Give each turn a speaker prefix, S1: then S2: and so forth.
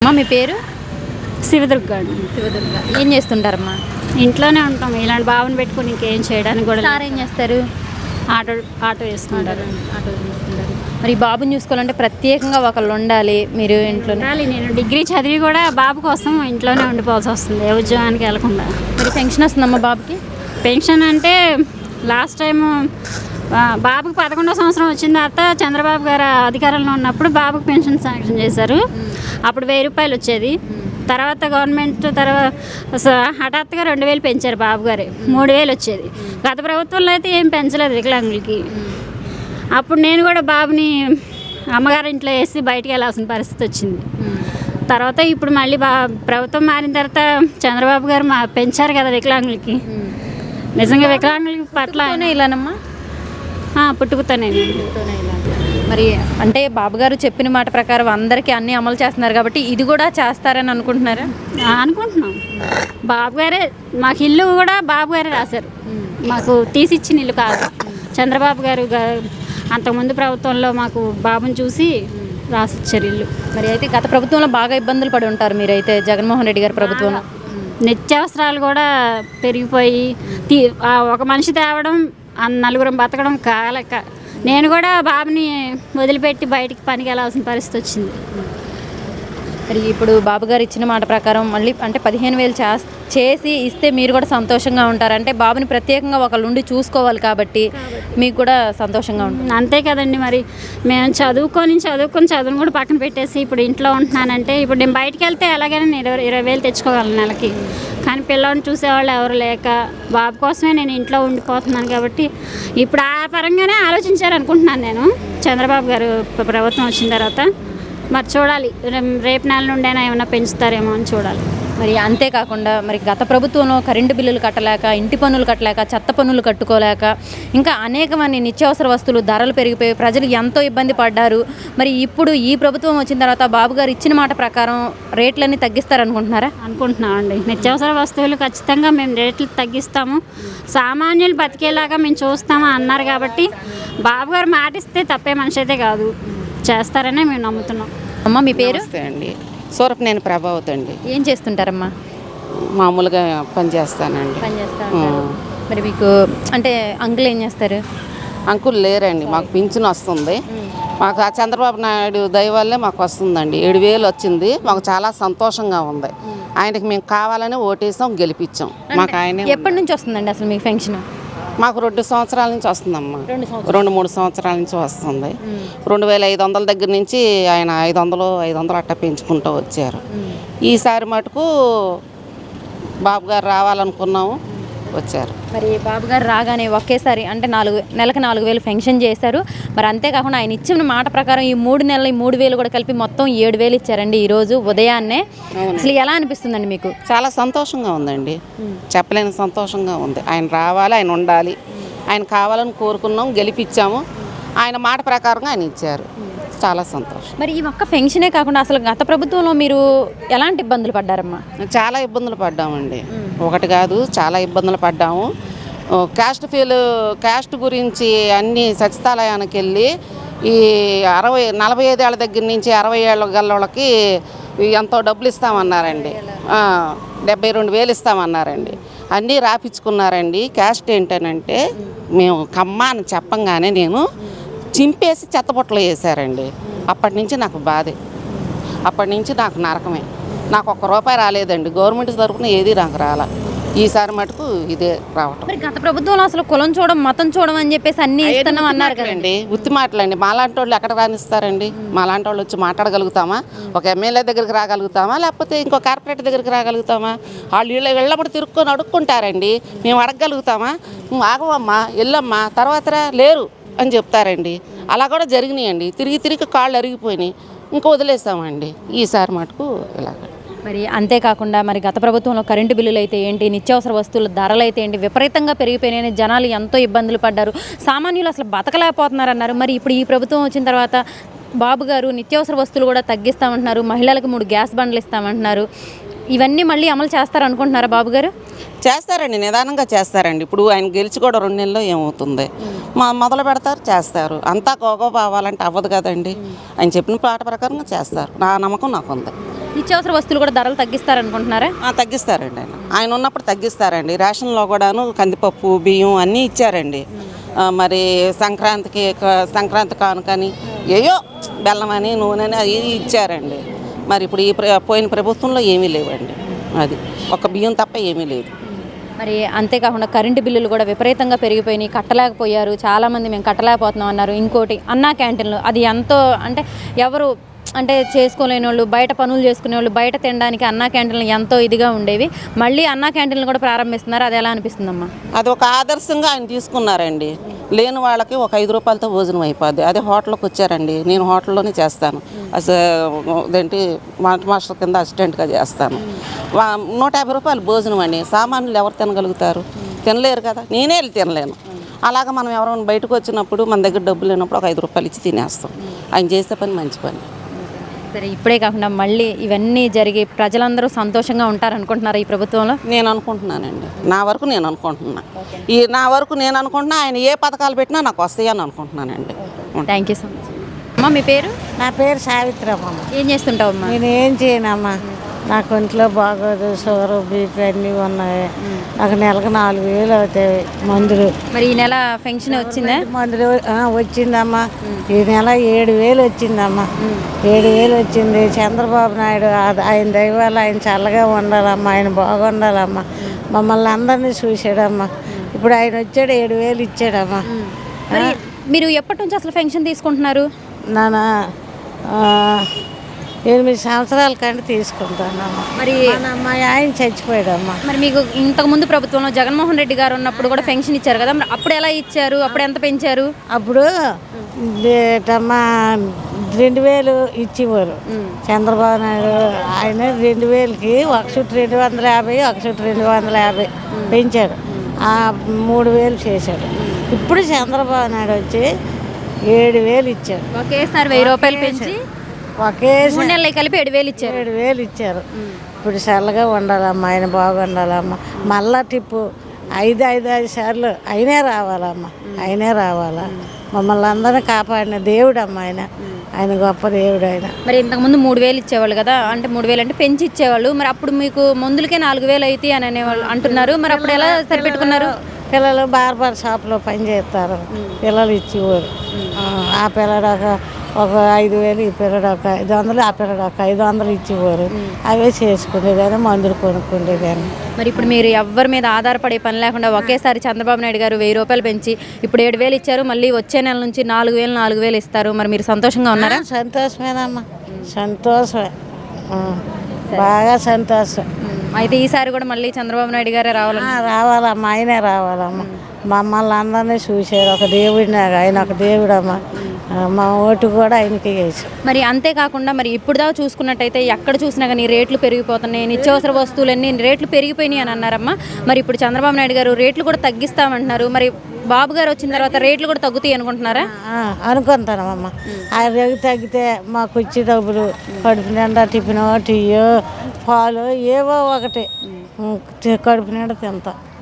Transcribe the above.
S1: అమ్మ మీ పేరు?
S2: శివదుర్గ అండి.
S1: శివదుర్గ. ఏం చేస్తుంటారమ్మా?
S2: ఇంట్లోనే ఉంటాం. ఇలాంటి బాబుని పెట్టుకుని ఇంకేం చేయడానికి కూడా
S1: సార్ ఏం చేస్తారు?
S2: ఆటో ఆటో వేసుకుంటారు.
S1: ఆటో చూసుకుంటారు. మరి ఈ బాబుని చూసుకోవాలంటే ప్రత్యేకంగా ఒకళ్ళు ఉండాలి. మీరు ఇంట్లో
S2: నేను డిగ్రీ చదివి కూడా బాబు కోసం ఇంట్లోనే ఉండిపోవాల్సి వస్తుంది, ఏ ఉద్యోగానికి వెళ్ళకుండా.
S1: మరి పెన్షన్ వస్తుందమ్మా బాబుకి?
S2: పెన్షన్ అంటే లాస్ట్ టైము బాబుకి 11వ సంవత్సరం వచ్చిన తర్వాత చంద్రబాబు గారు అధికారంలో ఉన్నప్పుడు బాబుకి పెన్షన్ శాంక్షన్ చేశారు. అప్పుడు 1000 రూపాయలు వచ్చేది. తర్వాత గవర్నమెంట్ హఠాత్తుగా 2000 పెంచారు బాబు గారు. 3000 వచ్చేది. గత ప్రభుత్వంలో అయితే ఏం పెంచలేదు వికలాంగులకి. అప్పుడు నేను కూడా బాబుని అమ్మగారి ఇంట్లో వేసి బయటికి వెళ్ళాల్సిన పరిస్థితి వచ్చింది. తర్వాత ఇప్పుడు మళ్ళీ ప్రభుత్వం మారిన తర్వాత చంద్రబాబు గారు పెంచారు కదా వికలాంగులకి. నిజంగా వికలాంగులకి పట్ల
S1: ఇలానమ్మా
S2: పుట్టుకుతానే.
S1: మరి అంటే బాబు గారు చెప్పిన మాట ప్రకారం అందరికీ అన్నీ అమలు చేస్తున్నారు కాబట్టి ఇది కూడా చేస్తారని అనుకుంటున్నారా?
S2: అనుకుంటున్నాం. బాబు గారే మాకు ఇల్లు కూడా బాబు గారే రాశారు. మాకు తీసిచ్చిన ఇల్లు కాదు. చంద్రబాబు గారు అంతకుముందు ప్రభుత్వంలో మాకు బాబుని చూసి రాసిచ్చారు ఇల్లు.
S1: మరి అయితే గత ప్రభుత్వంలో బాగా ఇబ్బందులు పడి ఉంటారు మీరైతే జగన్మోహన్ రెడ్డి గారి ప్రభుత్వంలో.
S2: నిత్యావసరాలు కూడా పెరిగిపోయి ఒక మనిషి తేవడం నలుగురం బతకడం కాలేక నేను కూడా బాబుని వదిలిపెట్టి బయటికి పనికి వెళ్ళాల్సిన పరిస్థితి వచ్చింది.
S1: మరి ఇప్పుడు బాబు గారు ఇచ్చిన మాట ప్రకారం మళ్ళీ అంటే 15,000 చేసి ఇస్తే మీరు కూడా సంతోషంగా ఉంటారు. అంటే బాబుని ప్రత్యేకంగా ఒకళ్ళు ఉండి చూసుకోవాలి కాబట్టి మీకు కూడా సంతోషంగా ఉంటుంది.
S2: అంతే కదండి. మరి మేము చదువుని కూడా పక్కన పెట్టేసి ఇప్పుడు ఇంట్లో ఉంటున్నానంటే ఇప్పుడు నేను బయటికి వెళ్తే ఎలాగైనా నేను 20,000 తెచ్చుకోగలను నెలకి. కానీ పిల్లల్ని చూసేవాళ్ళు ఎవరు లేక బాబు కోసమే నేను ఇంట్లో ఉండిపోతున్నాను కాబట్టి ఇప్పుడు ఆ పరంగానే ఆలోచించారనుకుంటున్నాను నేను. చంద్రబాబు గారు ప్రభుత్వం వచ్చిన తర్వాత మరి చూడాలి, రేపు నెల నుండైనా ఏమైనా పెంచుతారేమో అని చూడాలి.
S1: మరి అంతేకాకుండా మరి గత ప్రభుత్వంలో కరెంటు బిల్లులు కట్టలేక, ఇంటి పన్నులు కట్టలేక, చెత్త పన్నులు కట్టుకోలేక, ఇంకా అనేకమంది నిత్యావసర వస్తువులు ధరలు పెరిగిపోయి ప్రజలు ఎంతో ఇబ్బంది పడ్డారు. మరి ఇప్పుడు ఈ ప్రభుత్వం వచ్చిన తర్వాత బాబు గారు ఇచ్చిన మాట ప్రకారం రేట్లన్నీ తగ్గిస్తారనుకుంటున్నారా?
S2: అనుకుంటున్నామండి. నిత్యావసర వస్తువులు ఖచ్చితంగా మేము రేట్లు తగ్గిస్తాము, సామాన్యులు బతికేలాగా మేము చూస్తాము అన్నారు కాబట్టి బాబు గారు మాటిస్తే తప్పే మనిషి అయితే కాదు, చేస్తారనే మేము నమ్ముతున్నాం.
S1: అమ్మ మీ పేరు?
S3: అండి సూరపనేని ప్రభావతి అండి.
S1: ఏం చేస్తుంటారమ్మా?
S3: మామూలుగా పని చేస్తానండి.
S1: మరి మీకు అంటే అంకుల్ ఏం చేస్తారు?
S3: అంకుల్ లేరండి, మాకు పింఛన్ వస్తుంది. మాకు ఆ చంద్రబాబు నాయుడు దయ వల్లే మాకు వస్తుందండి. 7,000 వచ్చింది. మాకు చాలా సంతోషంగా ఉంది. ఆయనకి మేము కావాలని ఓటేసాం, గెలిపించాం. మాకు ఆయన
S1: ఎప్పటి నుంచి వస్తుందండి అసలు మీకు పెన్షన్?
S3: మాకు 2 సంవత్సరాల నుంచి వస్తుందమ్మా. 2-3 సంవత్సరాల నుంచి వస్తుంది. 2,500 దగ్గర నుంచి ఆయన 500 అట్టా పెంచుకుంటూ వచ్చారు. ఈసారి మటుకు బాబు గారు రావాలనుకున్నాము, వచ్చారు.
S1: మరి బాబు గారు రాగానే ఒకేసారి అంటే నెలకు 4,000 పెన్షన్ చేశారు. మరి అంతేకాకుండా ఆయన ఇచ్చిన మాట ప్రకారం ఈ 3 నెలలు 3,000 కూడా కలిపి మొత్తం 7,000 ఇచ్చారండి ఈరోజు ఉదయాన్నే. అసలు ఎలా అనిపిస్తుందండి మీకు?
S3: చాలా సంతోషంగా ఉందండి, చెప్పలేని సంతోషంగా ఉంది. ఆయన రావాలి, ఆయన ఉండాలి, ఆయన కావాలని కోరుకున్నాం, గెలిపించాము. ఆయన మాట ప్రకారంగా ఆయన ఇచ్చారు. చాలా సంతోషం.
S1: మరి ఈ ఒక్క పెన్షనే కాకుండా అసలు గత ప్రభుత్వంలో మీరు ఎలాంటి ఇబ్బందులు పడ్డారమ్మా?
S3: చాలా ఇబ్బందులు పడ్డామండి. ఒకటి కాదు, చాలా ఇబ్బందులు పడ్డాము. క్యాస్ట్ గురించి అన్ని సచివాలయానికి వెళ్ళి ఈ 45 ఏళ్ళ దగ్గర నుంచి 60 ఏళ్ళ గల్లోళ్ళకి ఎంతో డబ్బులు ఇస్తామన్నారండి. 72,000 ఇస్తామన్నారండి. అన్నీ రాపించుకున్నారండి. క్యాస్ట్ ఏంటనంటే మేము కమ్మ అని చెప్పంగానే నేను చింపేసి చెత్తబుట్టలో వేసారండి. అప్పటి నుంచి నాకు బాధే, అప్పటి నుంచి నాకు నరకమే. నాకు ₹1 రాలేదండి. గవర్నమెంట్ తరఫున ఏది నాకు రాలా. ఈసారి మటుకు ఇదే రావటం.
S1: మరి గత ప్రభుత్వంలో అసలు కులం చూడం, మతం చూడం అని చెప్పేసి అన్ని ఇస్తున్నాం అన్నారు కదండి.
S3: ఉత్తి మాటలండి. మాలాంటి వాళ్ళు ఎక్కడ రానిస్తారండి? మాలాంటి వాళ్ళు వచ్చి మాట్లాడగలుగుతామా? ఒక ఎమ్మెల్యే దగ్గరికి రాగలుగుతామా? లేకపోతే ఇంకో కార్పొరేటర్ దగ్గరికి రాగలుగుతామా? వాళ్ళు వెళ్ళప్పుడు తిరుక్కొని అడుక్కుంటారండి. మేము అడగగలుగుతామా? ఆగవమ్మా, వెళ్ళమ్మా, తర్వాత లేరు అని చెప్తారండి. అలా కూడా జరిగినాయండి. తిరిగి కాళ్ళు అరిగిపోయినాయి, ఇంకా వదిలేసామండి. ఈసారి మటుకు ఇలాగ.
S1: మరి అంతేకాకుండా మరి గత ప్రభుత్వంలో కరెంటు బిల్లులు అయితే ఏంటి, నిత్యావసర వస్తువుల ధరలు అయితే ఏంటి విపరీతంగా పెరిగిపోయినాయని జనాలు ఎంతో ఇబ్బందులు పడ్డారు. సామాన్యులు అసలు బతకలేకపోతున్నారన్నారు. మరి ఇప్పుడు ఈ ప్రభుత్వం వచ్చిన తర్వాత బాబు గారు నిత్యావసర వస్తువులు కూడా తగ్గిస్తామంటున్నారు. మహిళలకు 3 గ్యాస్ బండ్లు ఇస్తామంటున్నారు. ఇవన్నీ మళ్ళీ అమలు చేస్తారనుకుంటున్నారా బాబు గారు?
S3: చేస్తారండి, నిదానంగా చేస్తారండి. ఇప్పుడు ఆయన గెలిచి కూడా 2 నెలల్లో ఏమవుతుంది, మొదలు పెడతారు, చేస్తారు. అంతా గోగో అవ్వాలంటే అవ్వదు కదండి. ఆయన చెప్పిన పాట ప్రకారంగా చేస్తారు, నా నమ్మకం నాకు ఉంది.
S1: నిత్యావసర వస్తువులు కూడా ధరలు తగ్గిస్తారనుకుంటున్నారా?
S3: తగ్గిస్తారండి. ఆయన ఉన్నప్పుడు తగ్గిస్తారండి. రేషన్లో కూడాను కందిపప్పు, బియ్యం అన్నీ ఇచ్చారండి. మరి సంక్రాంతి కానుకని ఏయో బెల్లం అని, నూనె అని అవి ఇచ్చారండి. మరి ఇప్పుడు పోయిన ప్రభుత్వంలో ఏమీ లేవండి. అది ఒక బియ్యం తప్ప ఏమీ లేదు.
S1: మరి అంతేకాకుండా కరెంటు బిల్లులు కూడా విపరీతంగా పెరిగిపోయినాయి, కట్టలేకపోయారు చాలామంది. మేము కట్టలేకపోతున్నాం అన్నారు. ఇంకోటి అన్నా క్యాంటీన్లు, అది ఎంతో అంటే ఎవరు అంటే చేసుకోలేని వాళ్ళు, బయట పనులు చేసుకునే వాళ్ళు బయట తినడానికి అన్నా క్యాంటీన్లు ఎంతో ఇదిగా ఉండేవి. మళ్ళీ అన్నా క్యాంటీన్లు కూడా ప్రారంభిస్తున్నారు. అది ఎలా అనిపిస్తుందమ్మా?
S3: అది ఒక ఆదర్శంగా ఆయన తీసుకున్నారండి. లేని వాళ్ళకి ఒక 5 రూపాయలతో భోజనం అయిపోద్ది. అదే హోటల్కి వచ్చారండి, నేను హోటల్లోనే చేస్తాను. అదేంటి మాస్టర్ కింద అసిస్టెంట్గా చేస్తాను. 150 రూపాయలు భోజనం అండి. సామాన్యులు ఎవరు తినగలుగుతారు? తినలేరు కదా, నేనే వెళ్ళి తినలేను. అలాగా మనం ఎవరైనా బయటకు వచ్చినప్పుడు మన దగ్గర డబ్బులు లేనప్పుడు ఒక 5 రూపాయలు ఇచ్చి తినేస్తాం. ఆయన చేసే పని మంచి పని.
S1: సరే, ఇప్పుడే కాకుండా మళ్ళీ ఇవన్నీ జరిగి ప్రజలందరూ సంతోషంగా ఉంటారనుకుంటున్నారు ఈ ప్రభుత్వంలో?
S3: నేను అనుకుంటున్నానండి, నా వరకు నేను అనుకుంటున్నా. నేను అనుకుంటున్నా ఆయన ఏ పథకాలు పెట్టినా నాకు వస్తాయని అనుకుంటున్నానండి.
S1: Thank you so much. అమ్మా, మీ పేరు?
S4: నా పేరు సావిత్రమ్మ.
S1: ఏం చేస్తుంటావమ్మా?
S4: నేను ఏం చేయనమ్మా, నాకు ఒంట్లో బాగోదు, షుగర్, బీపీ అన్నీ ఉన్నాయి. నాకు నెలకు 4,000 అవుతాయి మందులు.
S1: మరి ఈ నెల పెన్షన్ వచ్చిందా?
S4: మందులు వచ్చిందమ్మా. ఈ నెల 7,000 వచ్చిందమ్మా. 7,000 వచ్చింది. చంద్రబాబు నాయుడు ఆయన దయ వల్ల ఆయన చల్లగా ఉండాలమ్మా, ఆయన బాగుండాలమ్మా. మమ్మల్ని అందరినీ చూసాడమ్మా. ఇప్పుడు ఆయన వచ్చాడు, 7,000 ఇచ్చాడమ్మా.
S1: మరి మీరు ఎప్పటి నుంచి అసలు పెన్షన్ తీసుకుంటున్నారు?
S4: నాన్న 8 సంవత్సరాల కంటే తీసుకుంటానమ్మా.
S1: మరి
S4: మా ఆయన చచ్చిపోయాడమ్మా.
S1: మరి మీకు ఇంతకుముందు ప్రభుత్వంలో జగన్మోహన్ రెడ్డి గారు ఉన్నప్పుడు కూడా పెన్షన్ ఇచ్చారు కదా, మరి అప్పుడు ఎలా ఇచ్చారు? అప్పుడు ఎంత పెంచారు?
S4: అప్పుడు అమ్మా 2,000 ఇచ్చేవారు చంద్రబాబు నాయుడు. ఆయన 2,000కి ఒక చుట్టూ 250, ఒక చుట్టూ 250 పెంచాడు. 3,000 చేశాడు. ఇప్పుడు చంద్రబాబు నాయుడు వచ్చి 7,000 ఇచ్చాడు.
S1: ఒకేసారి 1,000 రూపాయలు పెంచి
S4: ఒకేసారి
S1: 3 నెలలు కలిపి 7,000 ఇచ్చారు.
S4: 7,000 ఇచ్చారు. ఇప్పుడు చల్లగా ఉండాలమ్మా, ఆయన బాగుండాలమ్మా. మళ్ళా టిప్పు 5 సార్లు ఆయనే రావాలమ్మా, ఆయనే రావాలా. మమ్మల్ని అందరినీ కాపాడిన దేవుడు అమ్మ ఆయన గొప్ప దేవుడు ఆయన.
S1: మరి ఇంతకుముందు 3,000 ఇచ్చేవాళ్ళు కదా, అంటే 3,000 అంటే పెంచి ఇచ్చేవాళ్ళు. మరి అప్పుడు మీకు మందులకే 4,000 అయితే అని అనేవాళ్ళు అంటున్నారు. మరి అప్పుడు ఎలా సరిపెట్టుకున్నారు?
S4: పిల్లలు బార్బర్ షాప్లో పని చేస్తారు, పిల్లలు ఇచ్చేవారు. ఆ పిల్లడు ఒక 5,000, ఈ పిల్లడు ఒక 500, ఆ పిల్లడు ఒక 500 ఇచ్చేవారు. అవే చేసుకునేదాన్ని, మందులు కొనుక్కునేదాన్ని.
S1: మరి ఇప్పుడు మీరు ఎవరి మీద ఆధారపడే పని లేకుండా ఒకేసారి చంద్రబాబు నాయుడు గారు 1,000 రూపాయలు పెంచి ఇప్పుడు 7,000 ఇచ్చారు. మళ్ళీ వచ్చే నెల నుంచి 4,000 ఇస్తారు. మరి మీరు సంతోషంగా ఉన్నారా?
S4: సంతోషమేనమ్మా, సంతోషమే, బాగా సంతోషం.
S1: అయితే ఈసారి కూడా మళ్ళీ చంద్రబాబు నాయుడు గారే
S4: రావాలమ్మా, ఆయనే రావాలమ్మా. మమ్మల్ని అందరినీ చూసారు, ఒక దేవుడినాగా ఆయన ఒక దేవుడమ్మా. మా ఓటు కూడా ఆయనకి వేసాం.
S1: మరి అంతేకాకుండా మరి ఇప్పుడు దాకా చూసుకున్నట్టయితే ఎక్కడ చూసినా కానీ రేట్లు పెరిగిపోతున్నాయి, నిత్యావసర వస్తువులన్నీ రేట్లు పెరిగిపోయినాయి అని అన్నారమ్మా. మరి ఇప్పుడు చంద్రబాబు నాయుడు గారు రేట్లు కూడా తగ్గిస్తామంటున్నారు. మరి బాబు గారు వచ్చిన తర్వాత రేట్లు కూడా తగ్గుతాయి అనుకుంటున్నారా?
S4: అనుకుంటానమ్మా. ఆ రేటు తగ్గితే మాకు వచ్చి డబ్బులు కడుపు నిండా టిఫిన్, టీయో, పాలు ఏవో ఒకటి కడుపు నిండా తింటాం.